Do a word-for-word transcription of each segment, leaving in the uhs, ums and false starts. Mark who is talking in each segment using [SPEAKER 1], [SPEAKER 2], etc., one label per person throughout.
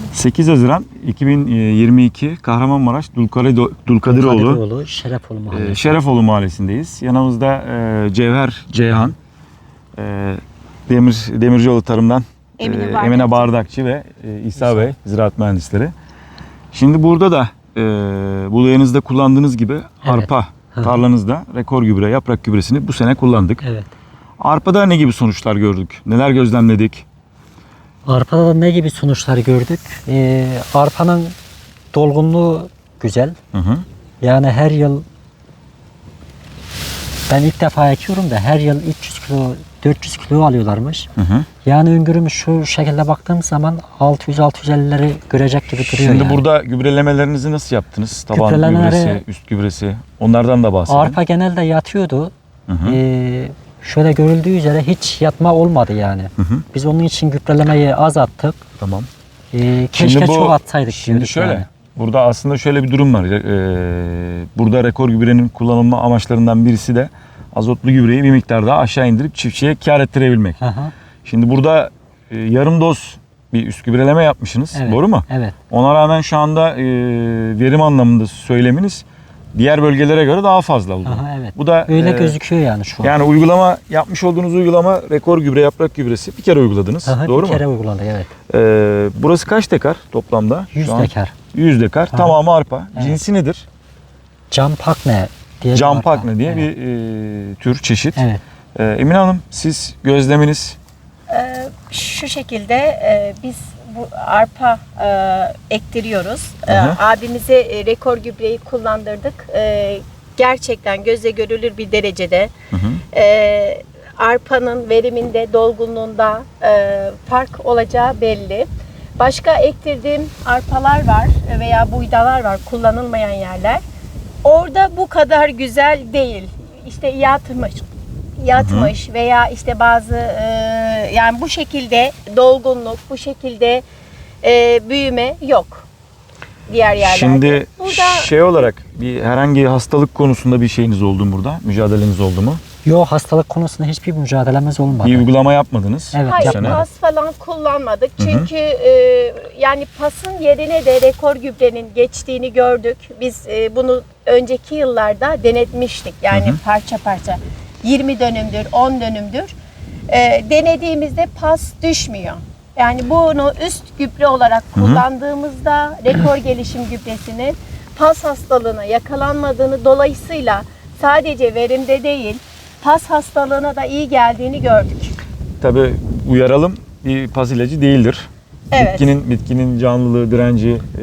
[SPEAKER 1] sekiz Haziran iki bin yirmi iki Kahramanmaraş Dulkadiroğlu,
[SPEAKER 2] Dulkadiroğlu Şerefoğlu Mahallesi.
[SPEAKER 1] Şerefoğlu Mahallesi'ndeyiz. Yanımızda e, Cevher Ceyhan, e, Demir Demircioğlu Tarım'dan
[SPEAKER 3] Emine,
[SPEAKER 1] e,
[SPEAKER 3] Bardakçı.
[SPEAKER 1] Emine Bardakçı ve e, İsa Bey, ziraat mühendisleri. Şimdi burada da e, buğdayınızda kullandığınız gibi
[SPEAKER 2] Evet.
[SPEAKER 1] arpa tarlanızda rekor gübre, yaprak gübresini bu sene kullandık.
[SPEAKER 2] Evet.
[SPEAKER 1] Arpada ne gibi sonuçlar gördük? Neler gözlemledik?
[SPEAKER 2] Arpada da ne gibi sonuçlar gördük? Ee, arpanın dolgunluğu güzel.
[SPEAKER 1] Hı hı.
[SPEAKER 2] Yani her yıl ben ilk defa ekiyorum da her yıl üç yüz kilo, dört yüz kilo alıyorlarmış.
[SPEAKER 1] Hı hı.
[SPEAKER 2] Yani öngörümüz şu şekilde baktığım zaman altı yüz altı yüz ellileri görecek gibi duruyor.
[SPEAKER 1] Şimdi
[SPEAKER 2] yani.
[SPEAKER 1] burada gübrelemelerinizi nasıl yaptınız? Taban
[SPEAKER 2] Gübrelemeleri-
[SPEAKER 1] gübresi, üst gübresi, onlardan da bahsedin.
[SPEAKER 2] Arpa genelde yatıyordu.
[SPEAKER 1] Hı hı.
[SPEAKER 2] Ee, şöyle görüldüğü üzere hiç yatma olmadı yani.
[SPEAKER 1] Hı hı.
[SPEAKER 2] Biz onun için gübrelemeyi az attık.
[SPEAKER 1] Tamam.
[SPEAKER 2] Ee, keşke
[SPEAKER 1] bu-
[SPEAKER 2] çok atsaydık
[SPEAKER 1] Şimdi
[SPEAKER 2] diyorduk
[SPEAKER 1] şöyle,
[SPEAKER 2] yani.
[SPEAKER 1] burada aslında şöyle bir durum var. Ee, burada rekor gübrenin kullanılma amaçlarından birisi de azotlu gübreyi bir miktar daha aşağı indirip çiftçiye kar ettirebilmek.
[SPEAKER 2] Hı hı.
[SPEAKER 1] Şimdi burada e, yarım doz bir üst gübreleme yapmışsınız.
[SPEAKER 2] Evet,
[SPEAKER 1] Doğru mu?
[SPEAKER 2] Evet.
[SPEAKER 1] Ona rağmen şu anda e, verim anlamında söyleminiz diğer bölgelere göre daha fazla oldu.
[SPEAKER 2] Aha, evet.
[SPEAKER 1] Bu da
[SPEAKER 2] Öyle
[SPEAKER 1] e,
[SPEAKER 2] gözüküyor yani şu an.
[SPEAKER 1] Yani uygulama yapmış olduğunuz uygulama rekor gübre, yaprak gübresi bir kere uyguladınız.
[SPEAKER 2] Aha,
[SPEAKER 1] Doğru
[SPEAKER 2] bir
[SPEAKER 1] mu?
[SPEAKER 2] kere uygulandı evet.
[SPEAKER 1] Ee, burası kaç dekar toplamda?
[SPEAKER 2] yüz
[SPEAKER 1] Şu an?
[SPEAKER 2] dekar.
[SPEAKER 1] yüz dekar.
[SPEAKER 2] Aha.
[SPEAKER 1] Tamamı arpa.
[SPEAKER 2] Evet.
[SPEAKER 1] Cinsi nedir?
[SPEAKER 2] Campakne diye bir
[SPEAKER 1] Campakne
[SPEAKER 2] arpa.
[SPEAKER 1] diye
[SPEAKER 2] evet.
[SPEAKER 1] bir e, tür çeşit.
[SPEAKER 2] Evet.
[SPEAKER 1] Ee, Emine Hanım, siz gözleminiz.
[SPEAKER 3] Ee, şu şekilde e, biz bu arpa e, ektiriyoruz. E,
[SPEAKER 1] Hı hı.
[SPEAKER 3] abimize e, rekor gübreyi kullandırdık. E, gerçekten gözle görülür bir derecede
[SPEAKER 1] Hı hı.
[SPEAKER 3] e, arpanın veriminde, dolgunluğunda e, fark olacağı belli. Başka ektirdiğim arpalar var veya buğdalar var, kullanılmayan yerler. Orada bu kadar güzel değil. İşte yatmış, yatmış veya işte bazı e, yani bu şekilde dolgunluk, bu şekilde e, büyüme yok diğer yerlerde.
[SPEAKER 1] Şimdi
[SPEAKER 3] Burada
[SPEAKER 1] şey olarak bir herhangi hastalık konusunda bir şeyiniz oldu mu burada? Mücadeleniz oldu mu?
[SPEAKER 2] Yok, hastalık konusunda hiçbir mücadelemiz olmadı.
[SPEAKER 1] Bir uygulama yapmadınız.
[SPEAKER 2] Evet,
[SPEAKER 3] hayır,
[SPEAKER 1] bu sene.
[SPEAKER 3] pas falan kullanmadık.
[SPEAKER 1] Hı hı.
[SPEAKER 3] Çünkü e, yani pasın yerine de rekor gübrenin geçtiğini gördük. Biz e, bunu önceki yıllarda denetmiştik. Yani
[SPEAKER 1] Hı hı.
[SPEAKER 3] parça parça yirmi dönümdür, on dönümdür. E, denediğimizde pas düşmüyor. Yani bunu üst gübre olarak
[SPEAKER 1] Hı hı.
[SPEAKER 3] kullandığımızda rekor gelişim gübresinin pas hastalığına yakalanmadığını, dolayısıyla sadece verimde değil, pas hastalığına da iyi geldiğini gördük.
[SPEAKER 1] Tabii uyaralım, bir pas ilacı değildir.
[SPEAKER 3] Evet.
[SPEAKER 1] Bitkinin bitkinin canlılığı, direnci e,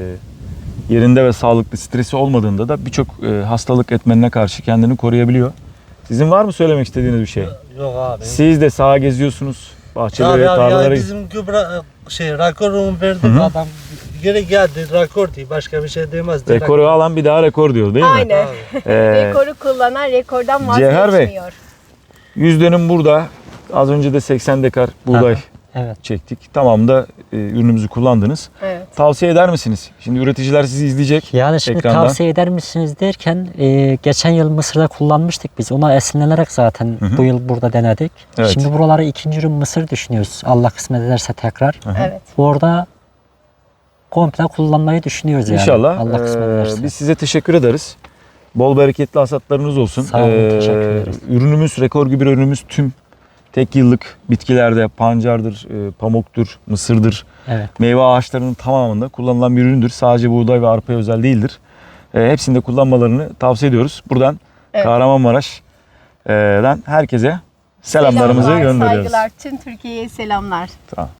[SPEAKER 1] yerinde ve sağlıklı, stresi olmadığında da birçok e, hastalık etmenine karşı kendini koruyabiliyor. Sizin var mı söylemek istediğiniz bir şey?
[SPEAKER 4] Yok abi.
[SPEAKER 1] Siz de sağa geziyorsunuz, bahçelere,
[SPEAKER 4] Abi abi
[SPEAKER 1] tarlalara.
[SPEAKER 4] yani bizim gübre şey rakorumu verdik,
[SPEAKER 1] Hı hı.
[SPEAKER 4] adam geri geldi rakor diye, başka bir şey demez. Direkt-
[SPEAKER 1] Rekoru alan bir daha rekor diyor değil mi?
[SPEAKER 3] Aynen.
[SPEAKER 4] Abi.
[SPEAKER 1] Ee,
[SPEAKER 3] Rekoru kullanan rekordan
[SPEAKER 1] Cevher Bey.
[SPEAKER 3] vazgeçmiyor.
[SPEAKER 1] yüz dönüm burada. Az önce de seksen dekar buğday
[SPEAKER 2] Aha. Evet.
[SPEAKER 1] çektik. Tamam da e, ürünümüzü kullandınız.
[SPEAKER 3] Evet.
[SPEAKER 1] Tavsiye eder misiniz? Şimdi üreticiler sizi izleyecek.
[SPEAKER 2] Yani şimdi
[SPEAKER 1] Ekrandan.
[SPEAKER 2] tavsiye eder misiniz derken e, geçen yıl Mısır'da kullanmıştık biz. Ona esinlenerek zaten
[SPEAKER 1] Hı hı.
[SPEAKER 2] bu yıl burada denedik.
[SPEAKER 1] Evet.
[SPEAKER 2] Şimdi buralara ikinci ürün Mısır düşünüyoruz. Allah kısmet ederse tekrar.
[SPEAKER 1] Aha.
[SPEAKER 3] Evet.
[SPEAKER 2] Orada komple kullanmayı düşünüyoruz yani.
[SPEAKER 1] İnşallah.
[SPEAKER 2] Allah kısmet
[SPEAKER 1] Ee,
[SPEAKER 2] ederse.
[SPEAKER 1] biz size teşekkür ederiz. Bol bereketli hasatlarınız olsun.
[SPEAKER 2] Sağ olun, teşekkür ederiz.
[SPEAKER 1] Ürünümüz, rekor gübre ürünümüz tüm tek yıllık bitkilerde pancardır, e, pamuktur, mısırdır,
[SPEAKER 2] Evet.
[SPEAKER 1] meyve ağaçlarının tamamında kullanılan bir üründür. Sadece buğday ve arpaya özel değildir. E, hepsinde kullanmalarını tavsiye ediyoruz. Buradan
[SPEAKER 3] Evet.
[SPEAKER 1] Kahramanmaraş'dan herkese selamlarımızı
[SPEAKER 3] Selamlar,
[SPEAKER 1] gönderiyoruz.
[SPEAKER 3] saygılar. Tüm Türkiye'ye selamlar.
[SPEAKER 1] Tamam.